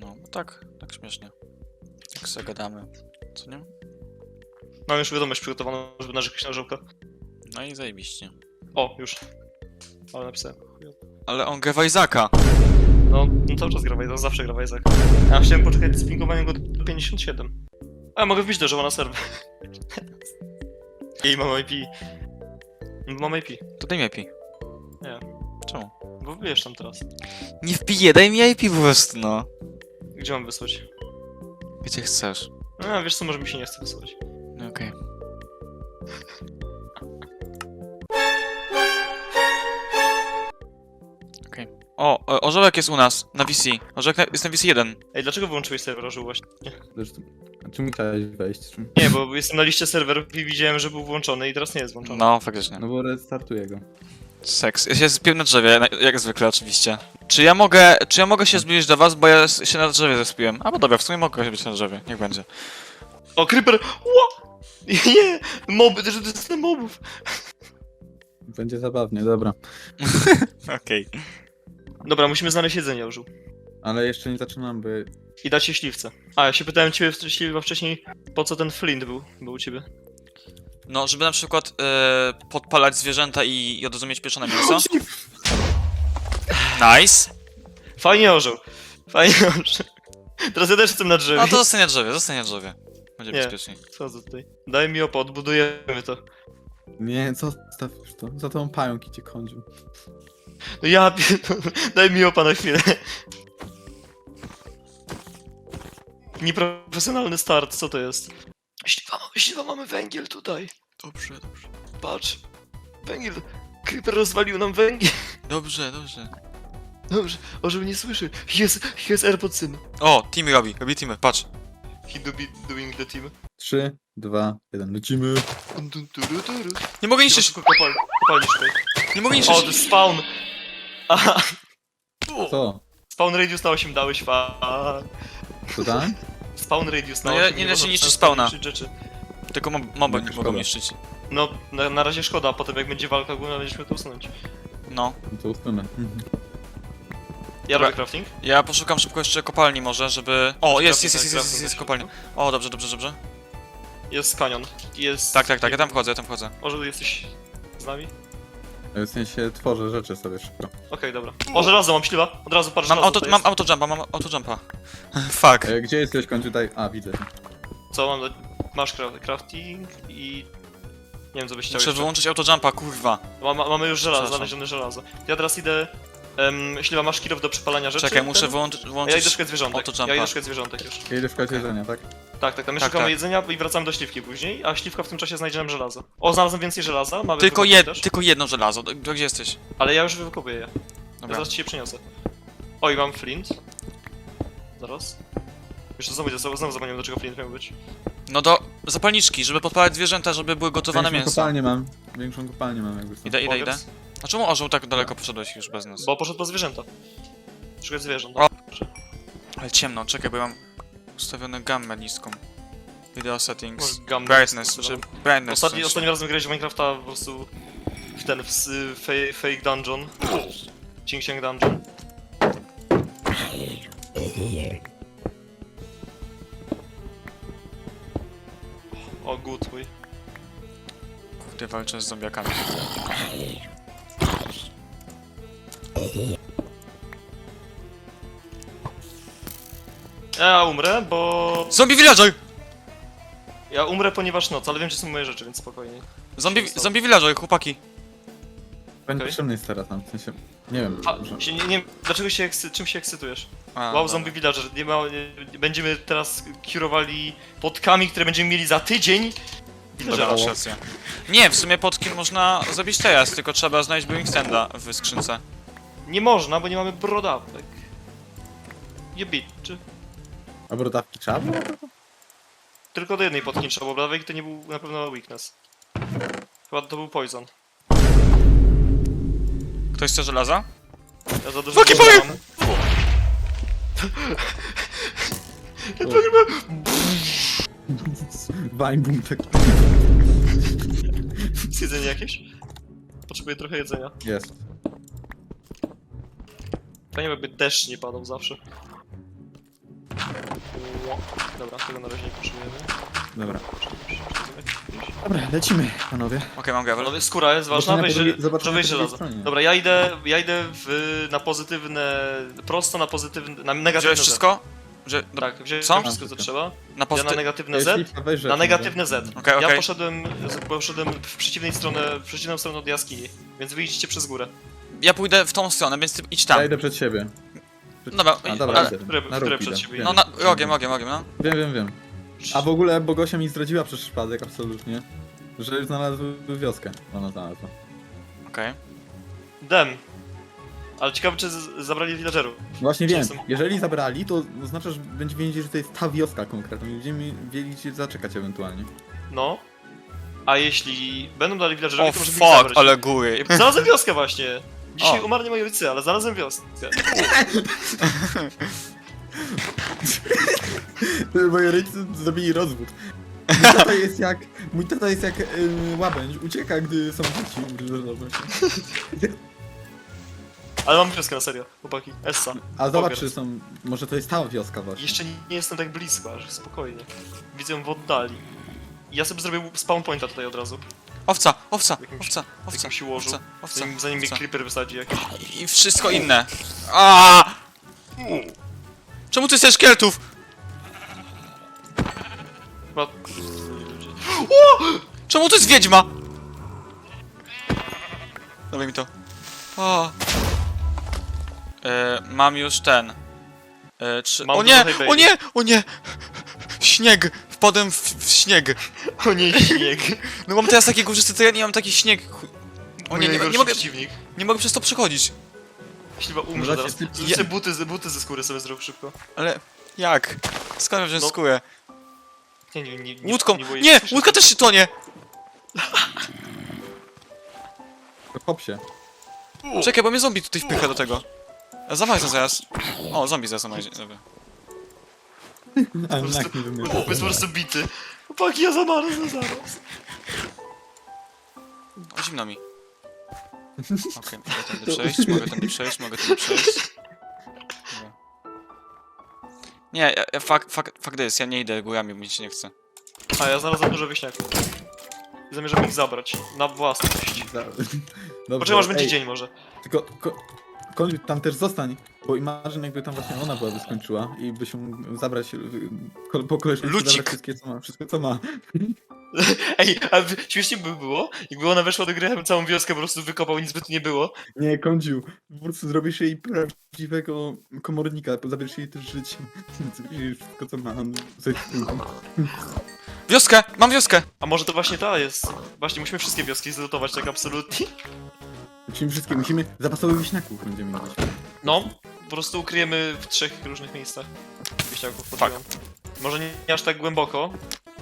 No, tak śmiesznie. Jak sobie gadamy, co nie? Mam już wiadomość przygotowaną, żeby narzekać na żołka. No i zajebiście. O, już. Ale napisałem. Ale on gra w Isaaca. No cały czas gra Wajza, zawsze gra Wajza. Ja chciałem poczekać z pingowaniem go do 57. A ja mogę wbić do żoła na serwer. I mam IP. Mam IP. To daj mi IP. Nie. Czemu? Bo wbijesz tam teraz. Nie wbiję, daj mi IP po prostu, no. Gdzie mam wysłać? Gdzie chcesz. No wiesz co, może mi się nie chce wysłać. No okej. Okej. O, orzełek jest u nas, na VC. Orzełek jest na VC 1. Ej, dlaczego wyłączyłeś serwer orzeł właśnie? Zresztą, a czemu chciałeś wejść? Czym? Nie, bo jestem na liście serwerów i widziałem, że był włączony i teraz nie jest włączony. No, faktycznie. No bo restartuję go. Seks. Ja się zbiłem na drzewie, jak zwykle oczywiście. Czy ja mogę się zbliżyć do was, bo ja się na drzewie zespiłem? A bo dobra, w sumie mogę się być na drzewie, niech będzie. O, creeper! Ła! Nie! Moby, też to mobów! Będzie zabawnie, dobra. Okej. Dobra, musimy znaleźć jedzenie, orzeł. Ale jeszcze nie zaczynam, by... I dać się śliwce. A, ja się pytałem ciebie śliwa wcześniej, po co ten flint był u ciebie. No, żeby na przykład podpalać zwierzęta i od razu mieć pieczone mięso. Nice. Fajnie orzeł. Fajnie orzeł. Teraz ja też jestem na drzewie. No to zostanie na drzewie. Będzie Nie. bezpieczniej. Co za tutaj? Daj mi opa, odbudujemy to. Nie, zostaw już to. Za tą pająk idzie kądził. No ja daj mi opa na chwilę. Nieprofesjonalny start, co to jest? Śliwa, mamy węgiel tutaj. Dobrze. Patrz. Węgiel. Creeper rozwalił nam węgiel. Dobrze. Dobrze, orzeł nie słyszy. Jest AirPod syn. O, teamy robi teamy, patrz. He do be doing the team. 3, 2, 1, lecimy. Nie mogę Trzeba niszczyć, szybko kopalni szukaj. nie mogę O, niszczyć. to jest spawn. Aha, Co? spawn radius na 8 dałeś, Co tam? Spawn radius na No 8. nie da się można niszczyć tam spawna. niszczyć rzeczy. Tylko moby nie mogą Szkoda. niszczyć. No, na razie szkoda, a potem jak będzie walka główna, będziemy to usunąć. No. No to usunę. Ja Dobra. robię crafting. Ja poszukam szybko jeszcze kopalni może, żeby... O, jest Crafting kopalnia. O, dobrze. Jest kanion. Jest... Tak, ja tam wchodzę. Orzeł, jesteś z nami? W sensie tworzę rzeczy sobie szybko. Okej, dobra. O, żelazo, mam śliwa. Od razu patrz, Mam żelazo to mam autojumpa. Fuck. Gdzie jesteś końcu tutaj? A, widzę. Co mam do... Masz crafting i... Nie wiem, co byś chciał Muszę jeszcze. wyłączyć autojumpa, kurwa. Mamy już żelazo, Przepraszam. znalezione żelazo. Ja teraz idę... Śliwa, masz kilof do przepalania rzeczy? Czekaj, muszę Ten? włączyć Ja idę szukać zwierzątek. autojumpa. Ja idę szukać zwierzątek już. Ja idę szukać jedzenia, tak? Tak, my Tak, szukamy tak. jedzenia i wracamy do śliwki później, a śliwka w tym czasie znajdzie nam żelazo. O, znalazłem więcej żelaza, mamy wykupić też. Tylko jedno żelazo. Gdzie jesteś? Ale ja już wykupię je. Ja Dobra. zaraz ci je przyniosę. Oj, mam flint. Zaraz. Jeszcze znowu zapomniałem, do czego flint miał być. No do zapalniczki, żeby podpalać zwierzęta, żeby były gotowane Większą mięso. kopalnię mam. Większą kopalnię mam jakby. Idę. Powiedz. A czemu orzeł tak daleko poszedłeś już bez nas? Bo poszedł po zwierzęta. Szukać zwierząt. O. Ale ciemno, czekaj, bo ja mam ustawione gammę niską. Video settings. Może gammę Brightness, niską czy ustawioną. brightness. w Ostatnim sensie. razem grałeś w Minecrafta po prostu fake dungeon. Cięg dungeon. O, good mój. Kurde, walczę z zombiakami. Ja umrę, bo... Zombie villager! Ja umrę, ponieważ noc, ale wiem, że są moje rzeczy, więc spokojnie. Zombie villager, chłopaki. Będzie Okej. potrzebny jest teraz tam, w sensie... Nie wiem, A, może... nie, dlaczego czym się ekscytujesz? A, Wow, dobra. zombie villager, będziemy teraz kurowali podkami, które będziemy mieli za tydzień. Dobra, Villagera. masz rację. Nie, w sumie potki można zabić teraz, tylko trzeba znaleźć brewing standa w skrzynce. Nie można, bo nie mamy brodawek. Nie bitczy. A brodawki trzeba było? Tylko do jednej potki trzeba, bo brodawek to nie był na pewno weakness. Chyba to był poison. Ktoś chce żelaza? Ja za dużo Fucking żelaza fire! mam. Wajbum tak... Jest jedzenie jakieś? Potrzebuję trochę jedzenia. Jest. Fajnie jakby deszcz nie padał zawsze. Dobra, tego na razie nie potrzebujemy. Dobra. Dobra, lecimy, panowie. Okej, mam gravel. Panowie, skóra jest ważna, Zobaczymy po drugiej- zobaczymy muszę wejść po drugiej żelazo. stronie. Dobra, ja idę na pozytywne, prosto na pozytywne, na negatywne Wziąłeś Z. wszystko? Że, do, Tak, wziąłem Co? wszystko co trzeba. na Ja na pozytyw... negatywne Jeśli Z, weź rzecz, na negatywne Z. Okej, Ja okej. poszedłem w przeciwną stronę od jaskini, więc wyjdziecie przez górę. Ja pójdę w tą stronę, więc ty idź Ja tam. idę przed siebie. Dobra, A, dobra, ale... idę. które- Na które róg przed idę. siebie? Wiem. No, rogiem, no. Wiem. A w ogóle Bogosia mi zdradziła przez przypadek, absolutnie. Że znalazły wioskę. Ona znalazła. Okej. Dem. Ale ciekawe czy zabrali villagerów. Właśnie Gdzie wiem, są? jeżeli zabrali, to oznacza, że będziemy wiedzieć, że to jest ta wioska konkretna i będziemy wiedzieć, gdzie zaczekać ewentualnie. No. A jeśli będą dali villagerowi, O to może fuck, ich zabrać. ale góry. Znalazłem wioskę właśnie. Dzisiaj O. umarli moi rodzice, ale znalazłem wioskę. Moi rodzice zrobili rozwód. Mój tata jest jak łabędź, ucieka, gdy są dzieci. Ale mam wioskę na serio, chłopaki. Essa. A zobacz, Pogers. czy są... Może to jest ta wioska właśnie. Jeszcze nie jestem tak blisko, aż spokojnie. Widzę ją w oddali. Ja sobie zrobię spawn pointa tutaj od razu. Owca. W jakimś łożu. Owca. Zanim mnie owca. creeper wysadzi jakiś. I wszystko inne. A! Czemu ty chcesz szkieletów? Chyba... Czemu to jest wiedźma? Dawaj mi to. O. Mam już ten. Mam O nie! trochę baby. O nie! O nie! Śnieg! Wpadłem w śnieg. O nie, śnieg. No mam teraz takie górzysty teren i mam taki śnieg. O nie, nie mogę, przeciwnik. nie mogę przez to przechodzić. Jeśli chyba umrze Może zaraz. się- Zrób sobie buty ze skóry sobie zrób szybko. Ale jak? Skąd wziąć No. skórę? Nie, Łódką! boję Nie! się. Łódka też się tonie! Hop się. Czekaj, bo mnie zombie tutaj wpycha do tego. Zamaj to zaraz. O, zombie zaraz zamaj. Dobra. Ale Po nak prostu, nie wymyślił. chłop jest po prostu bity. Chłopaki, ja zamarzę zaraz. O, zimno mi. Okej, mogę tędy przejść, mogę tędy przejść. Dobra. Nie, fuck this, ja nie idę górami, bo mi się nie chce. A ja znalazłem dużo wieśniaków. I zamierzam ich zabrać. Na własność. Dobrze, Poczekaj, może będzie ej, dzień może. Tylko... Koń, tam też zostań, bo imagine jakby tam właśnie ona byłaby skończyła i by się zabrać po koleżance Lucik. zabrać wszystko co ma. Ej, a śmiesznie by było, jakby ona weszła do gry, ja bym całą wioskę po prostu wykopał, nic by tu nie było. Nie, Kądziu, po prostu zrobisz jej prawdziwego komornika, zabierz jej też życie. Zabierz jej wszystko co ma, coś w tym. Wioskę! Mam wioskę! A może to właśnie ta jest? Właśnie musimy wszystkie wioski zlutować tak absolutnie. Musimy zapasowych wieśniaków będziemy mieć. No, po prostu ukryjemy w 3 różnych miejscach wieśniaków pod ziemią. Może nie aż tak głęboko,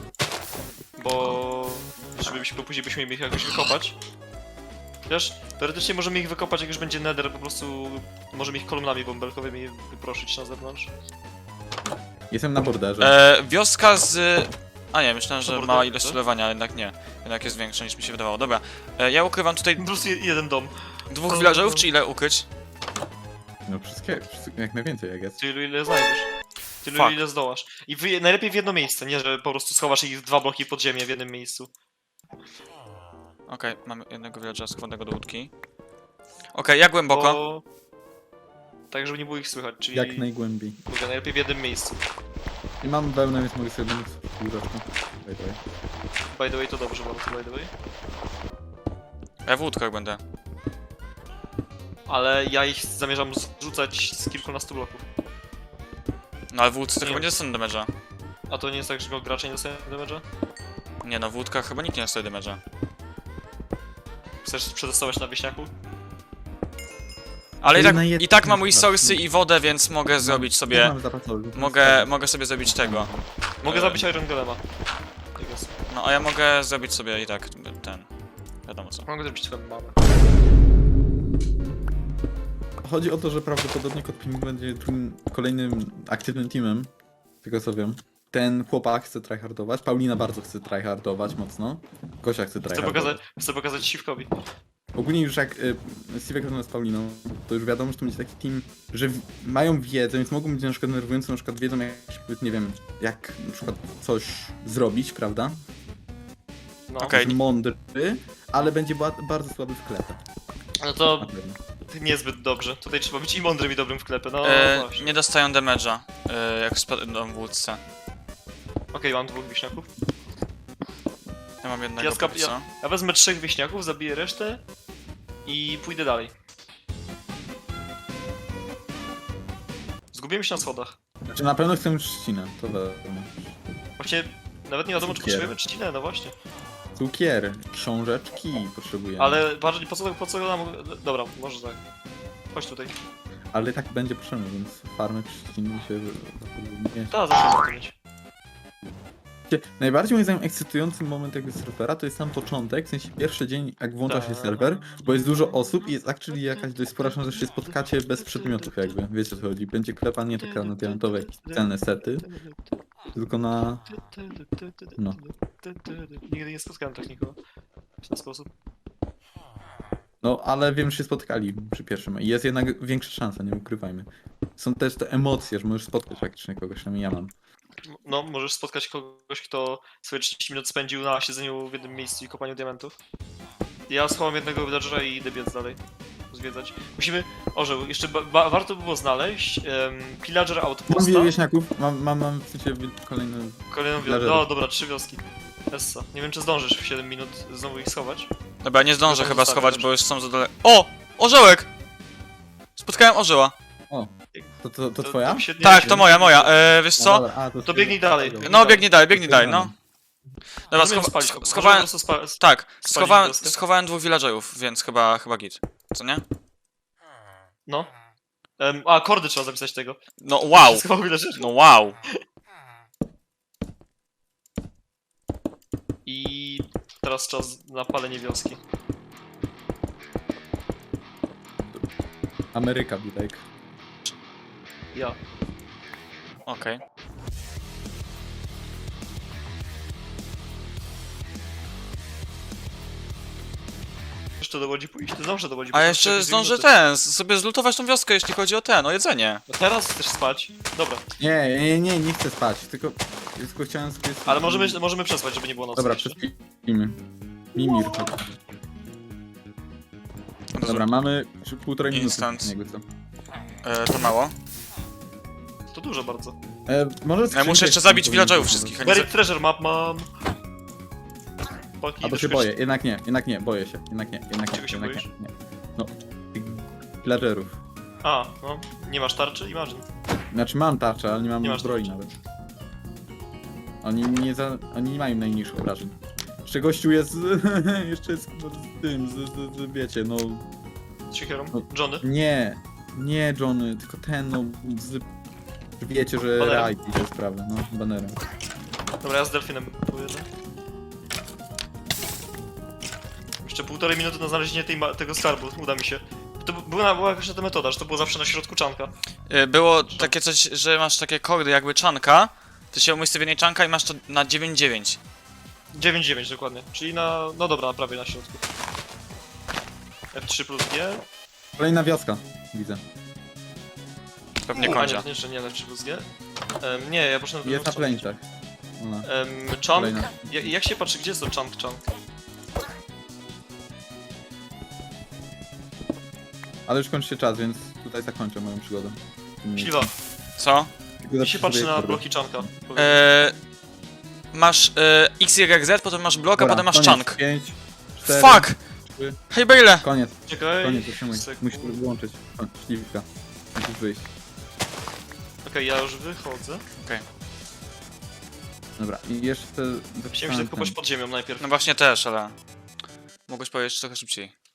bo żebyśmy później byśmy mieli ich jakoś wykopać. Wiesz, teoretycznie możemy ich wykopać, jak już będzie nether, po prostu możemy ich kolumnami bąbelkowymi wyproszyć na zewnątrz. Jestem na borderze. Wioska z... A nie, myślałem, że Dobra, mała dobra. ilość celowania, ale jednak nie. Jednak jest większa niż mi się wydawało. Dobra, ja ukrywam tutaj Po prostu jeden dom. dwóch villagerów, czy ile ukryć? No wszystkie, jak najwięcej jak jest. Tylu ile znajdziesz. Tylu Fuck. ile zdołasz. I najlepiej w jedno miejsce, nie że po prostu schowasz ich 2 bloki pod ziemię w jednym miejscu. Okej, mamy jednego villagera składnego do łódki. Okej, jak głęboko? Bo... Tak, żeby nie było ich słychać, czyli Jak najgłębiej. mówię, najlepiej w jednym miejscu. I mam wełnę, więc mogę sobie pomóc w różeczku. By the way, to dobrze bardzo, by the way. Ja w łódkach będę. Ale ja ich zamierzam zrzucać z kilkunastu bloków. No ale w łódce to Nie. chyba nie dostanę damage'a. A to nie jest tak, że gracze nie dostają damage'a? Nie no, w łódkach chyba nikt nie dostaje damage'a. Chcesz przetestować na wieśniaku? Ale To i tak mam jedna resursy i wodę, więc mogę zrobić sobie... Mam zapasowy. Mogę sobie zrobić tego. Mogę Eee. zabić Iron Golema. Tak jest. No a ja mogę zrobić sobie i tak ten... Wiadomo co. Mogę zabić twoją mamę. Chodzi o to, że prawdopodobnie Kotping będzie tym kolejnym aktywnym teamem. Z tego co wiem. Ten chłopak chce tryhardować, Paulina bardzo chce tryhardować mocno. Gosia chce tryhardować. Chcę pokazać Siwkowi. ogólnie już jak Steve rozmawiał z Pauliną, to już wiadomo, że to będzie taki team, że mają wiedzę, więc mogą być na przykład nerwujący, na przykład wiedzą jak, nie wiem, jak na przykład coś zrobić, prawda? No. Okej. Jest mądry, ale będzie bardzo słaby w klepę. No Na to pewno. niezbyt dobrze. Tutaj trzeba być i mądrym i dobrym w klepę, no właśnie. Nie dostają damage'a, jak spadną w łódce. Okej, mam 2 wieśniaków. Ja mam jednego póki co. Ja wezmę 3 wieśniaków, zabiję resztę i pójdę dalej. Zgubiłem się na schodach. Znaczy na pewno chcę trzcinę, to wiadomo. Właśnie nawet nie wiadomo, czy Cukier. potrzebujemy trzcinę, no właśnie. Cukier, książeczki potrzebujemy. Ale bardziej po co nam... Dobra, może tak. Chodź tutaj. Ale tak będzie potrzebne, więc farmy trzciny się... nie. Ta, zawsze to mieć. Najbardziej moim zdaniem ekscytujący moment jakby serwera to jest sam początek, w sensie pierwszy dzień jak włącza się Tak. serwer, bo jest dużo osób i jest actually jakaś dość spora szansa, że się spotkacie bez przedmiotów jakby, wiecie o co chodzi. Będzie klepa nie taka na diamentowe jakieś cenne sety, tylko na... No. Nigdy nie spotkałem tak nikogo w ten sposób. No, ale wiem, że się spotkali przy pierwszym i jest jednak większa szansa, nie ukrywajmy. Są też te emocje, że możesz spotkać faktycznie kogoś, przynajmniej ja mam. No, możesz spotkać kogoś, kto swoje 30 minut spędził na siedzeniu w jednym miejscu i kopaniu diamentów. Ja schowam jednego villagera i idę biec dalej. Zwiedzać. Musimy... Orzeł, jeszcze warto by było znaleźć pillager Mam outposta. wiele wieśniaków, mam w sensie kolejne... Kolejną wioskę. villagerów. No dobra, 3 wioski. Essa. Nie wiem, czy zdążysz w 7 minut znowu ich schować. Dobra, nie zdążę Chyba chyba zostawię, schować, dobrze. bo już są za daleko. O! Orzełek! Spotkałem orzeła. O, to twoja? mi się nie Tak, się- to moja. Wiesz No co? dobra, a, To biegnij dalej. No, biegnij dalej, no. Dobra, Możemy spalić go. schowałem... Możemy po prostu Tak, spalić wioskę. schowałem 2 villagerów, więc chyba git. Co nie? No. A, kordy trzeba zapisać tego. No wow! Schował villagerów. No wow! I teraz czas na palenie wioski. Ameryka, be like. Ja. Okej. Jeszcze do Łodzi pójść. Ty zdążę do Łodzi A pójść. jeszcze Jakieś zdążę minuty. sobie zlutować tą wioskę, jeśli chodzi o o jedzenie. No teraz chcesz spać. Dobra. Nie chcę spać, tylko chciałem sobie... Ale możemy przespać, żeby nie było nocy. Dobra, jeszcze. przespimy. Mimir, chodź. Dobra, mamy 1,5 minuty. Instant. Jakby co. To mało. To dużo bardzo. Może Ja muszę jeszcze zabić villagerów wszystkich, a nie Buried treasure map mam. Paki, A to się boję, jednak nie, boję się. Jednak nie. Czego się boisz? Nie. No, tych villagerów. A, no. Nie masz tarczy? Imagine. Znaczy mam tarczę, ale nie mam Nie masz zbroi tarczy. nawet. Oni nie mają najmniejszych obrażeń. Jeszcze gościu jest jeszcze jest z tym, z wiecie, no... Z siekierą. No. Johnny. Nie Johnny, tylko ten, no... wiecie, że Banerem? Rai idzie sprawę, no, banerem. Dobra, ja z delfinem pojedę. Jeszcze 1,5 minuty na znalezienie tego skarbu, uda mi się. To była jakaś ta metoda, że to było zawsze na środku czanka. Było takie coś, że masz takie kordy jakby czanka, ty się umiejscowienie czanka i masz to na 9-9. 9-9 dokładnie, czyli na... no dobra, prawie na środku. F3 plus G. Kolejna wioska, widzę. Pewnie A kończę. nie, jeszcze nie F3 plus G. Nie, ja poszedłem Jest na drugą plańcach. Ona. Chunk. Kolejna. Jak się patrzy, gdzie jest to chunk? Ale już kończy się czas, więc tutaj zakończę moją przygodę. Śliwa, Co? jak się patrzy na bloki chunka? Masz X, Y, Z, potem masz blok, a Dobra, potem masz koniec. chunk. 5, 4, Fuck! 3. Hej Bale! Koniec, Czekaj. zatrzymuj. Musisz wyłączyć. Śliwka. Musisz wyjść. Okej, ja już wychodzę. Dobra, i jeszcze... Chciałem się tak kopać pod ziemią najpierw. No właśnie też, ale... Mogłeś powiedzieć trochę szybciej.